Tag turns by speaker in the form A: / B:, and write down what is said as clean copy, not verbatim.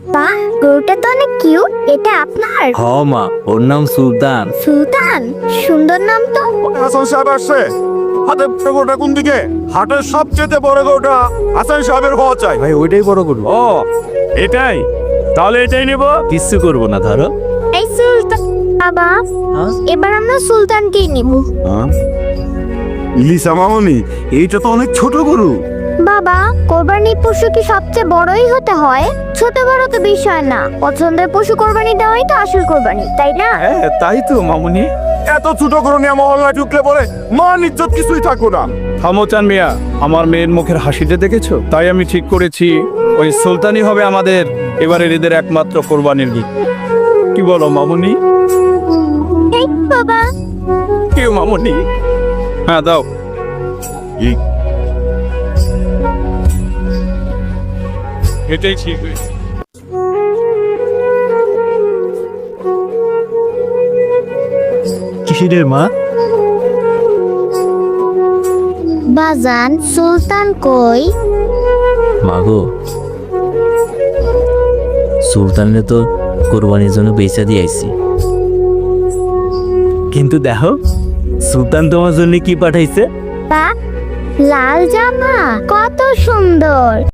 A: বাহ, গরুটা তো অনেক কিউট। এটা আপনার?
B: হ মা, ওর নাম সুলতান।
A: সুলতান, সুন্দর নাম তো।
C: হাসান সাহেব আসছে। হাতের বড় গরুটা কোন দিকে? হাটের সবচেয়ে বড় গরুটা হাসান সাহেবের হওয়া চাই।
B: ভাই ওইটাই বড় গরু।
C: ও এটাই, তাহলে এটাই নেব।
B: কিচ্ছু করবো না, ধরো।
A: এই সুলতান বাবা, এবার আমরা সুলতানকেই নিব।
C: ইলিশা মামনি, এইটা তো অনেক ছোট গরু।
A: বাবা, কোরবানির পশু কি সবচেয়ে বড়ই হতে হয়? ছোট বড় তো বিষয় না, পছন্দের পশু কোরবানি দেওয়াই তো আসল কোরবানি, তাই না?
C: হ্যাঁ তাই তো মামনি। এত ছোট গরু নিয়ে মহল্লায় ঢুকলে পরে মান ইজ্জত কিছুই থাকো না।
D: থামো চান মিয়া, আমার মেয়ের মুখের হাসিতে দেখেছো? তাই আমি ঠিক করেছি ওই সুলতানই হবে আমাদের এবারের ঈদের একমাত্র কোরবানির গীত। কি বলো মামুনি?
A: এই বাবা,
D: কেউ মামুনি? হ্যাঁ দাও। এটাই ঠিক হয়েছে।
B: কিসের মা?
A: বাজান সুলতান কই?
B: মাগো, সুলতানের তো কোরবানির জন্য বেচা দিয়ে আইছি। কিন্তু দেখো, সুলতান তোমার জন্য কি পাঠাইছে।
A: বা, লাল জামা কত সুন্দর।